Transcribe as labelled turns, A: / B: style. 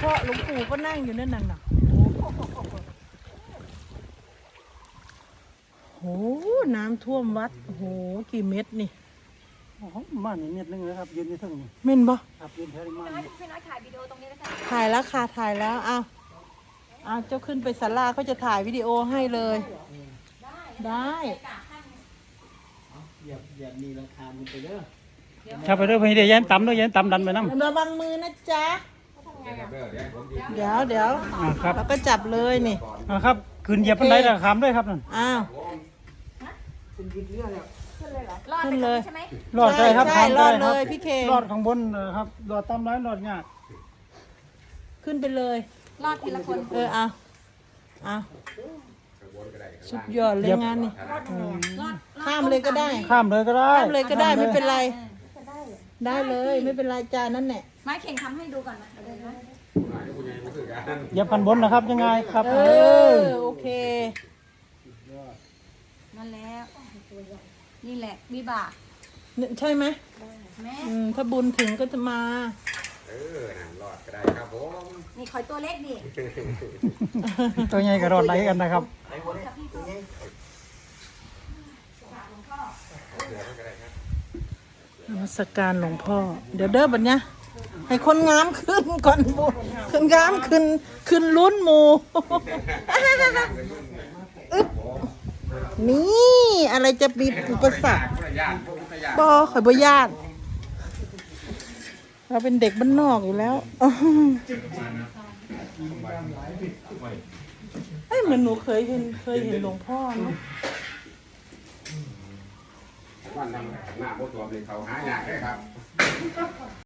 A: พ่อหลวงปู่ก็นั่งอยู่นั่นน่ะโอ้โหน้ำท่วมวัดโอ้โหกี่เม็ดนี่
B: มานี่เม็ดนึงนะครับยืนอยู่ทั้งนี้
A: เม่นบ่
B: ครับยืนแถวนี้มา
C: พี่น้อยถ่ายวิดีโอตรงนี้นะคะ
A: ถ่ายแล้วค่ะถ่ายแล้วเอาเจ้าขึ้นไปศาลาเขาจะถ่ายวิดีโอให้เลยได้
B: อย่ามีราคามันไปเด้อ
D: ครับไปเด้อพี่เดี๋ยวยันต่ำเด้อยันต่ำดันไปน้ำ
A: ระวังมือนะจ๊ะเดี๋ยว
D: ครับ
A: แล้วก็จับเลยนี่
D: ครับคืนเหยียบบันไดแล้วขามด้วยครับนั่น
A: อ้าว
C: รอดไปเลยใช่ไหม
D: รอดได้ครับ
A: ใช่รอดเลยพี่เคง
D: รอดข้างบนครับรอดต่ำร้ายรอดยาก
A: ขึ้นไปเลย
C: รอดทีละคน
A: เอาสุดยอดเลยงานนี่ข้ามเลยก็ได้
D: ข้ามเลยก็ได้
A: ข้ามเลยก็ได้ไม่เป็นไรได้เลยไม่เป็นไรจานั่นแหละ
C: ไม้เข่งทำให้ดูก่อนนะเดี๋ยวนะ
D: เหยียบพันบนนะครับยังไงครับ
A: โอเค
C: นั่นแล้วนี่แหละวิบาก
A: ใช่ไหม
C: แม่
A: ถ้าบุญถึงก็จะมา
E: นั่นรอดก็ได้ครับผม
C: นี่คอยตัวเล็กดิ
D: ตัวใหญ่ก็รอดไหลกันนะครับ
A: นมัสการหลวงพ่อเดี๋ยวเด้อบัดเนี้ยให้คนงามขึ้นก่อนบุคนงามขึ้นลุ้นหมูอึ๊บนี่อะไรจะมีอุปสรรคบ่ข่อยบ่ญาติเราเป็นเด็กบ้านนอกอยู่แล้วเหมือนหนูเคยเห็นหลวงพ่อเนาะ
E: วันทำหน้าโบตัวเลยเขาหายากเลยครับ